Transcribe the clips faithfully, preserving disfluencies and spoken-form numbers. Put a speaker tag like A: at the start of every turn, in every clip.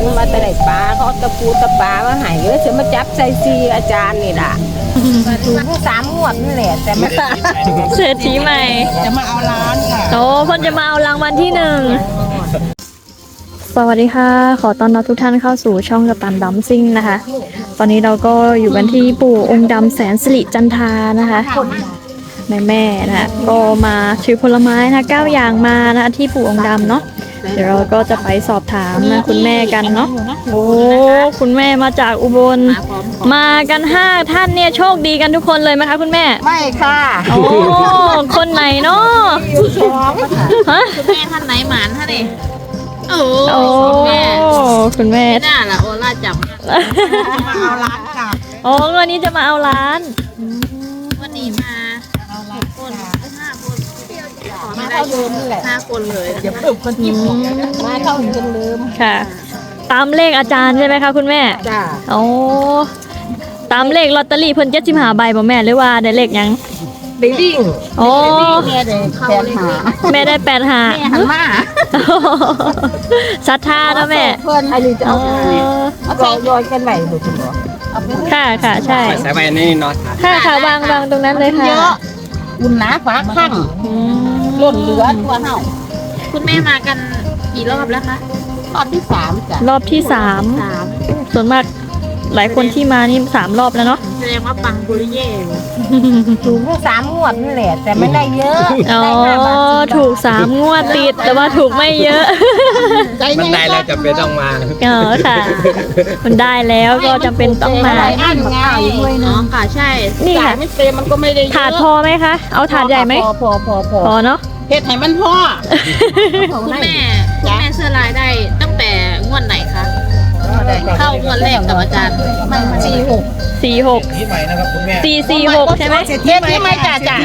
A: มาแต่ไหนปลาเขาตะปูตะปลามาหายเยอะจะมาจับใส่ซีอาจารย์นี่ล่ะถูกสามงวดนี่แหละแต่ไม่
B: เศรษฐีใหม่
A: จะมาเอาล้านค่ะ
B: โอ้พ่นจะมาเอารางวัลที่หนึ่งสวัสดีค่ะขอต้อนรับทุกท่านเข้าสู่ช่องกัปตันดัมซิ่งนะคะตอนนี้เราก็อยู่กันที่ปู่องค์ดำแสนสิริจันทานะคะแม่แม่นะคะก็มาถือผลไม้นะเก้าอย่างมานะที่ปู่องค์ดำเนาะเดี๋ยวเราก็จะไปสอบถามนะคุณแม่กันเนาะโอ้คุณแม่มาจากอุบลมากันห้าท่านเนี่ยโชคดีกันทุกคนเลยไหมคะคุณแม่
A: ไม่ค่ะ
B: โอ้คนไหนเนาะ
C: ฮะคุณแม่ท่านไหนหมานท่านนี่โอ้
B: คุณแม่คุณแม่
C: น่าละโอล่าจับ
A: มาเอาล้านค่ะ
B: โอ้วันนี้จะมาเอาล้าน
C: วันนี้มาหกคนห้าคน
A: มาเข้าลืมแหละ
C: ห้าคนเลย
A: เดี๋ยวเพิ่มคนที่มาเข้าจนลืม
B: ค่ะตามเลขอาจารย์ใช่ไหมคะคุณแม่
A: จ้า
B: โอ้ตามเลขลอตเตอรี่เพิ่นเจ็ดสิบห้าใบบ่แม่หรือว่าได้เลขยัง
A: ได้วิ่ง
B: โอ้
A: แม่ได้แปดหา
B: แม่ได้แปดหา
A: แม่หันมา
B: ศรัทธานะแม่
A: เพื่อนอันนี้จะเอาเอาไปโยนกันไหวหรือเปล่า
B: ค่ะค่ะใช่
D: ใส่ใบนี่เนาะ
B: ค่ะค่ะวางวางตรงนั้นเลยค่ะ
A: เยอะอุ่นหนาฟ้าข้างล้นเหลือตัวเห่า
C: คุณแม่มากันกี่รอบแล้วคะ
A: รอบที่สามจ้ะ
B: รอบที่สามส่วนมากหลายคนที่มานี่สามรอบแล้วเนาะ
C: แสดงว่าปังบุริเย่
A: ถูกสามงวดนี่แหละแต่ไม่ได้เยอะ
B: อ๋อถูกสามงวดติดแต่ว่าถูกไม่เยอะ
D: มันได้แล้วจำเป็นต้องมา
B: เออค่ะมันได้แล้วก็จำเป็นต้องมา
A: อันไง
C: อ๋อค่ะใช่
B: นี่ค่ะ
A: ไม่เต็มมันก็ไม่ได้
B: ถาดพอไหมคะเอาถาดใหญ่ไหม
A: พอพอพอ
B: พอเนาะ
A: เฮ็ดให้มันพอ
C: คุณแม่คุณแม่เสื้อลายได้ตั้งแต่งวดไหนคะเข้างวดแรกกับอาจารย์
A: มันสี่หก
B: สี่หกสี่สี่หกใช่ไหม
A: เศรษฐีใหม่จ่าจ่า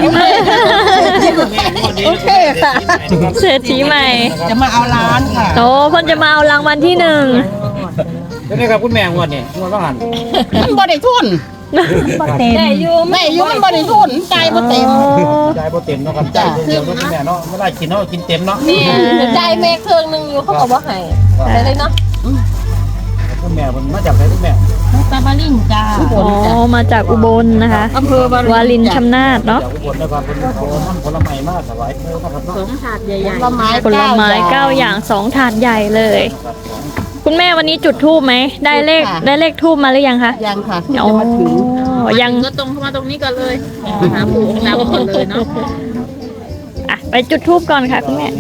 A: โอเคค่ะ
B: เศรษฐีใหม่
A: จะมาเอาล้านค่ะ
B: โอ้พ่นจะมาเอารางวัลที่หนึ่ง
D: นี่ครับคุณแม่งวดนี่งวดต้องหัน
A: มันบ่ได้ทุนได้อยู่ไม่อยู่มันบ่ได้ทุนใจบ่เต็ม
D: ใจบ่เต็มเนาะครับใจเดียวคุณแม่เนาะไม่ได้กินเนาะกินเต็มเนาะ
A: นี่ใจแม่เครื่องนึงอยู่เขาบอกว่าให้ได้เลยเนาะ
D: คุณแม่มันมาจากไหนคุณแม่
A: ตาบาลินจ้า
B: อ๋อมาจากอุบลนะคะ
A: อำเภอ
B: วารินชำนาญเนาะ
D: อุบลนะครับเป็นผลไม้มากสบาย
C: สองถาดใหญ่ๆ
A: ผลไม้
B: ผลไม้เก้าอย่างสองถาดใหญ่เลยคุณแม่วันนี้จุดธูปไหมได้เลขได้เลขธูปมาหรือยังคะ
A: ยังค่ะ
B: อ๋อยัง
C: ก็ตรงเข้ามาตรงนี้ก่อนเลยหาปู่องค์ดำก่อนเลยเนาะ
B: อ่ะไปจุดธูปก่อนค่ะคุณแม่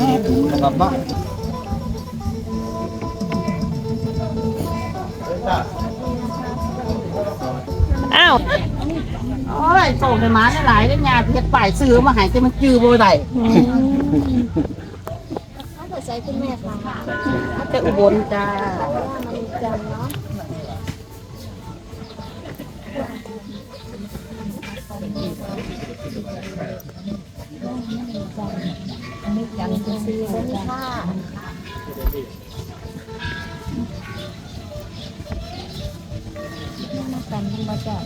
B: อ้าว
A: โอ้ยส่งไปมาหลายได้งานเพชรป่ายซื้อมาหายแต่มันจือบ่ได้
C: ถ้าใส่คุณแม่ค่ะ
A: แต่อุบลจ้าจันทร์ซีค่ะกันมาจาก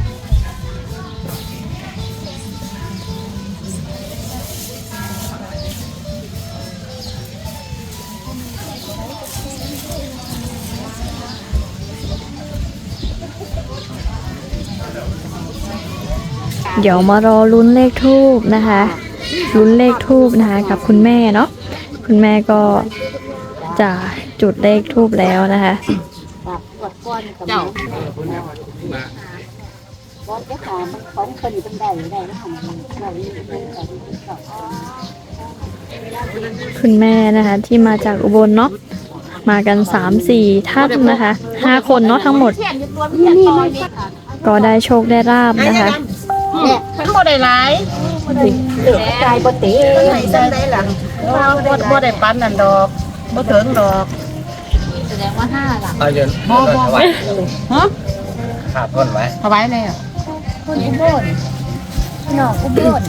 B: เดี๋ยวมารอลุ้นเลขทูบนะคะลุ้นเลขทูบนะคะกับคุณแม่เนาะคุณแม่ก็จะจุดเลขทูบแล้วนะคะ
A: เจ้า
B: คุณแม่นะคะที่มาจากอุบลเนาะมากันสามสี่ท่านนะคะห้าคนเนาะทั้งหมดก็ได้โชคได้ลาบนะคะ
A: ฉันบ่ได้หลายใจบ่ติไหนซั่นได้ล่ะบ่บ่ได้ปันนั่นดอกบ่ถึงดอก
C: แสดงว่าห้าล่ะ
D: เอาเยอะ
A: บ่บ่ฮะ
D: ขาดต้นไว้
A: ถวายเลยอ่ะคนอุบลนอกอุบล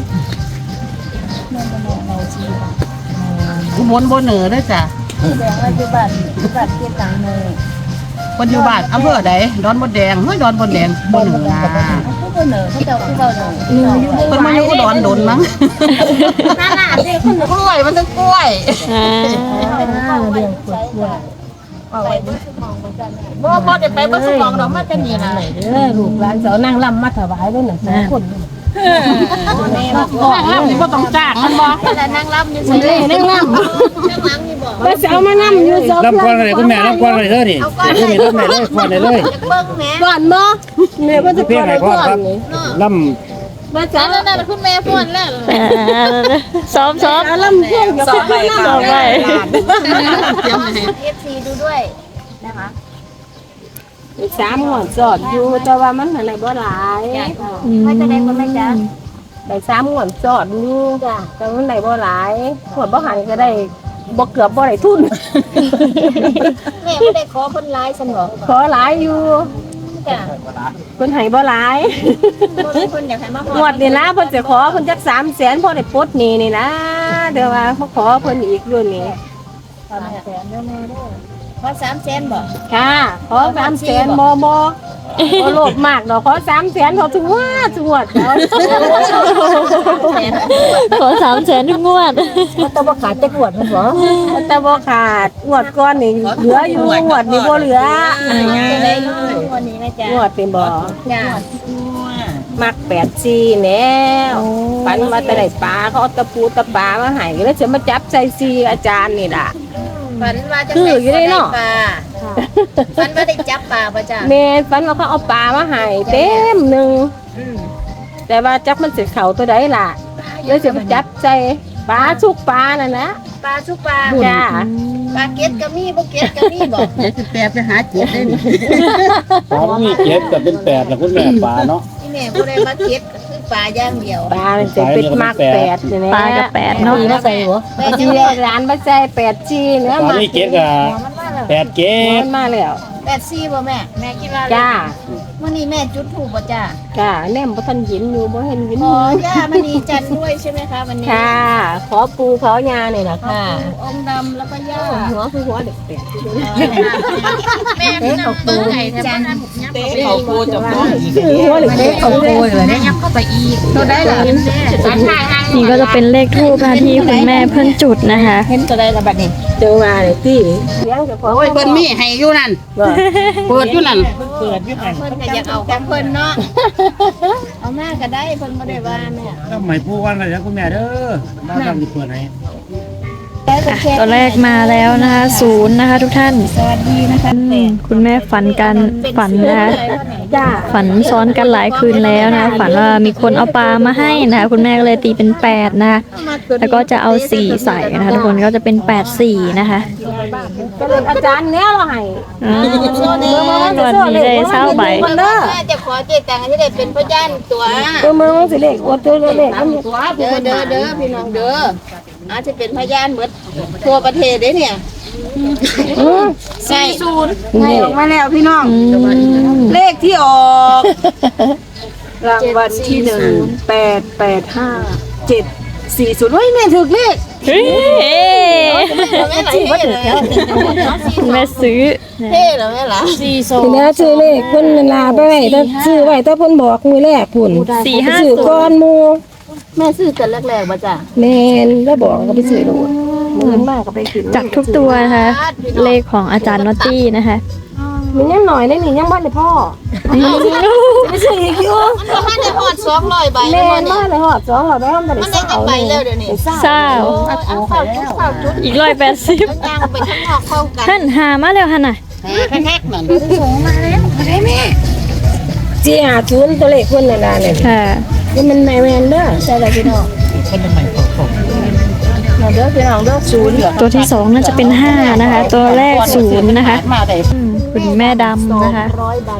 A: อุบลบ่เหนือเด้อจ้ะแสดงว่าอยู่บ้านอยู่บ้านเกียรติตังเนยคนอยู่บ้านอำเภอใดดอนมดแดงเฮ้ยดอนมดแดงบ่เหนือนะบ่เหนือเขาเจ้าคือเว้าเหนือเพิ่นมาอยู่ดอนดนมั้งน่าๆสิคนกล้วยมันต้องกล้วยอ่าเรื่องกล้วยเอาไว้บ่บ่บ่ได้ไปบ่สมองดอกมันจะนี่ล่ะ
E: เด้อลูกหลานเสานั่งลำมาถวายด้วยหนึ่งสองคน
A: แม่บ่ก่อนแล้วนี่บ่ต้องจ้างมันบ่แต่นั่งรับอยู่ซื่อนั่งรับนั่งรับนี่บ่
E: ว่าเสามานั่งอยู่สอง
D: รับก่อนเลยคุณแม่รับก่อนเลยเด้อนี่คุณแม่รับแม่เลยก่อนเลยเลย
A: เบิ่งแม่
E: ก่อนบ่แม่ว่าจะ
D: เพียงไหนก่อนครับล่
E: ว่าเสา
C: นั่นนั่นคุณแม่พูดแล้ว
B: ซ้อมซ้อม
E: ลำพ่วงกับพ่อ
B: ซ้อมไป
A: เอฟซีดูด้วยนะคะ
E: สามหัวสอดอยู่แต่ว่ามันอะไรบ่หลาย
A: ไม่จะได้บ่แม่จ๊ะ
E: ได้สามหัวสอดอยู่แต่มันไหนบ่หลายหัวบ่หันก็ได้บ่เกือบบ่ได้ทุน
A: แม่บ่ได้ขอเพิ่นหลายซั่นบ่
E: ขอหลายอยู่
A: จ้ะ
E: เพิ่นให้บ่หลาย
A: บ่มีเพิ่นอยากให้มา
E: งวดนี่นะเพิ่นจะขอเพิ่นจักสามแสนพอได้ปลดหนี้นี่นะเดี๋ยวว่าเขาขอเพิ่นอีกรุ่นนี้
A: สามแสนเด้อแม่เด้อขอสามแสนบ่
E: ค่ะขอสามแสนบ่บ่บ่โลภมากดอกขอสามแสนพอถึงว่าถึงวดแล้ว
B: ขอสามแสนทุกงวด
E: มันต้องบ่ขาดจักงวดมันบ่แต่บ่ขาดงวดก่อนนี่เหลืออยู่งวดนี่บ่เหลือ
A: จะได้อยู่วันนี้แม่จ๊ะ
E: งวดนี่บ่
A: จ้ะ
E: มักแปดสี่แนวฝันว่าแต่ได้ปลาเขาเอาตะปูตะปลามาให้แล้วจะมาจับใส่ซีอาจารย์นี่ล่ะ
A: ฝันว่าจะ
E: คืออยู่ได้เนาะ
A: ปลาฝันว่าได้จับปลาป่ะจ้ะ
E: แม่ฝันว่าเขาเอาปลามาให้เต็มหนึงแต่ว่าจับมันสิเข้าตัวใดล่ะแล้วจะมาจับใส่ปลาทุกปลานั่นนะ
A: ปลาชุบปลา
E: จ้า
A: ปลาเก็ดก็มีบ่เก็ดก็มีบ่
F: แปลไปหาเจ็ดได้นี่
D: ำปลามีเจ็ดกับเป็นแปดแล้วคุณแม่ปลาเนาะ
A: ที่แม่บ่ได้มาเก็ดก็คือปลาอย่างเดียว
E: ปลามันจะเป็นมากแปดนี่นะ
B: ปลากับแปดเนาะ
E: มาใส่หัว
A: แม่
E: จี
A: จะได้
E: ร้านมาใส่แปดจีเนื้อ
D: ปลา
E: มา
D: มีเจ็ดกับ
A: มันมาแล้ว
D: แปดเจ็ด
E: มันมาแล้ว
A: แปดสี่บ่แม่แม่คิดว่า
E: จ้า
A: มื้อนี้แม่จุดธูปบ่จ้า
E: จ้าแนมบ่ทันเห็นอยู่บ่เห็นเห็น
A: ขอย่ามณีจันทร์ด้วยใช่ไหมคะวันนี้
E: ค่ะ ขอปูขอยานี่ล่ะค่ะ
A: องค์ดำแล้วก็ย่า
E: หัวคือหัวเด็กแปด
C: แม่พี่น้องเปิ้ลไห้แถวบ้านผมยับเข้าไป
F: เขาปูจับน้อง
E: คือหัวเด็กแปด
F: เขาปูเลย
C: แม่ยับเข้าไปอีก
F: ตัวได้หรอ
B: นี่ก็จะเป็นเลขทูปนะคะที่คุณแม่เพิ่นจุดนะคะ
F: เห็นตัวได้ละบัดนี้
E: เจอมาเลยที่เลี้ยงเจ้าของ
F: โอ้ยเพิ่นมีให้อยู่นั่น
E: ว่า
F: เปิดอยู่นั่น
D: เปิดยี่ห้อ
A: เพิ่นก็อยากเอาของเพิ่นเนาะเอามาก็ได้เพิ่นบ่ได้ว่าแม่
D: ทำไมพูดว่าอะไรนะคุณแม่เด้อน่าจะมีเปิดไหน
B: ตัวแรกมาแล้วนะคะศูนย์นะคะ ทุกท่าน
A: สวัสดีนะคะ
B: อืมคุณแม่ฝันกันฝันนะคะ
E: จ้า
B: ฝันซ้อนกันหลายคืนแล้วนะคะฝันว่ามีคนเอาปลามาให้นะคะคุณแม่ก็เลยตีเป็นแปดนะคะแล้วก็จะเอาสี่ใส่นะคะทุกคนก็จะเป็นแปดสี่นะคะ
E: ก็เลยอาจารย์เนี้ยเราให้
B: อืมวันนี้ได้เศร้าใบ
E: คนเด้อ
A: แม่จะขอเจตังค์ที่ได้เป็นพยานตัว
E: ตัวมือมันสิเล็กอวดตัวเล็กอันนี้
A: เด้อเด้อเด้อพี่น้องเด้ออาจจะเป็นพยานหมดทั่วประเทศเด้เนี่ยใช่ศูนย์
E: ให้ออกมาแล้วพี่น้อง
B: อืม
E: เลขที่ออกรางวัลที่หนึ่งแปดแปดห้าเจ็ดสี่ศูนย์เฮ้ยแม่ถูกเลข
B: เฮ้ย
A: แม่ไหลเท่เลย
B: คุณแม่ซื้อ
A: เท่เหรอแม่ล่ะสี่สอง
E: ทีนี้ซื้อเลขเพิ่นลาไปไว้ถ้าซื้อไว้ถ้าเพิ่นบอกมือแรกพุ่น
B: สี่ห้า
E: ซื้อ
B: ศู
E: ก้อน
B: นย์
E: หมู
A: แม่ซื้อกันแรกๆมาจ้ะ
E: แม่นแล้วบอกก็ไปซื้อโลดมือมากก็ไปกิน
B: จากทุกตัวนะคะ เลขของอาจารย์นอตตี้นะคะ
E: มันยังหน่อยได้นี่ยังบ้านเลยพ่อไปซื้ออีกอยู่
A: มันมาได้หอดสองร้อยใบ
E: แม่
A: แล้ว
E: น
A: เนี่
E: มายเลยฮอดสองร้อยใบมันบ่
A: มั
E: ได้
A: นได้จังใบแล้วเดี๋ยวนี้
B: เศร้า
A: เอาเฝ้าจุดเฝ้าจุด
B: อีกร้อยแปดสิบ
A: ย่างไปข้างนอกเข้ากัน
B: ท่านหามาแล้วค่ะน่ะ
F: แค่ๆนั่น
E: จีหาศูนย์ตัวเลขเพิ่นน่ะนะเนี่ย
B: ค่ะ
E: นี่มันแม่นเด้อใช่แล้วพี่น้อง
F: เป็นทำไมเขาเขา
E: เด้อพี่น้องเด้อศูนย์
B: ตัวที่สองน่าจะเป็นห้านะคะ ตัวแรกศูนย์นะคะ
F: มาได้
B: อืมคุณแม่ดำนะคะ
A: ร้อยใบ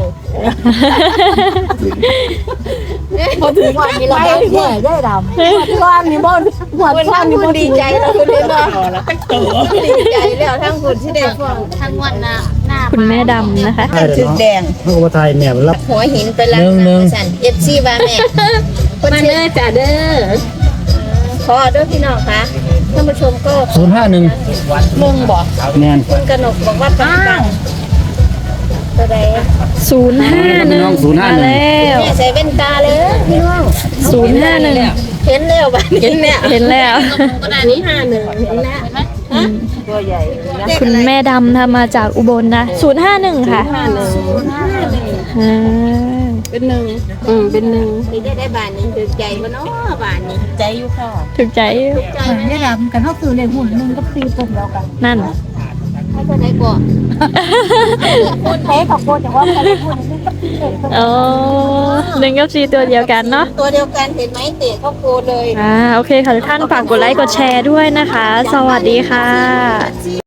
A: พอถึงวันนี้เราได้เท่าไหร่ได้ดำ
E: หัวทอนนี่บ่หัว
A: คุณ
E: ทอ
A: ทั้
E: น
A: ง
E: นี่
A: คุ
E: บ่
A: ณดีใจแล้วคุณเลยเนาะดีใจแล้วทั้งคุณที่ได้ฟัง
C: ทั้งวันหน้าหน้า
B: คุณแม่ดำนะคะ
D: ใช่เลยเนาะเพื่อว่าไทยแม่รับ
A: หัวหินไปแล้ว
D: หนึ่งหนึ่ง
A: สันเอฟซีบ้าแม่คน
E: มา
A: เชื่
E: เด้
A: อ
E: อจ้าเด้อ
A: ขอด้วยพี่น้องคะท่านผู้ชมก็
D: ศูนย์ห้าหนึ่ง
A: มึงบอก
D: แนน
A: คุณกนกบอกว่าปังปังตัวใด
B: ศูนย์ห้าหนึ่งมาแล้ว
A: แม่ใส่แว่นตาเลยพี่น้อง
B: ศูนย์ห้าหนึ่ง
A: เห็นแล้วบ้านเห็นแล้ว
B: เห็นแล้ว
C: ก็ได้
E: ศู
C: นี่
E: นย์ห้าหนึ่งเห็นแล้ว
B: อ
E: ตัวใหญ่นะ
B: คุณแม่ดำทำมาจากอุบลนะศูนย์ห้าหนึ่งค่ะ
E: ห้าหนึ่ง
B: อ่า
E: เป็นหนึ่งอืมเป็นหนึ่ง
C: นี่ได้ได้บาทนึงถึงใจบ่เนาะบาทนี้
E: ใจอยู่ค่ะ
B: ถึกใจ
C: ใจไหมเนี่ย
B: นั่น
C: ให้เท่าไหร่ก่อน
B: อ๋อหนึ่งกับสี่ตัวเดียวกันเนาะ
C: ตัวเดียวกันเห็นไหมเตะเข้าโกเลย
B: อ่าโอเคค่ะทุกท่านฝากกดไลค์กดแชร์ด้วยนะคะ สวัสดีค่ะ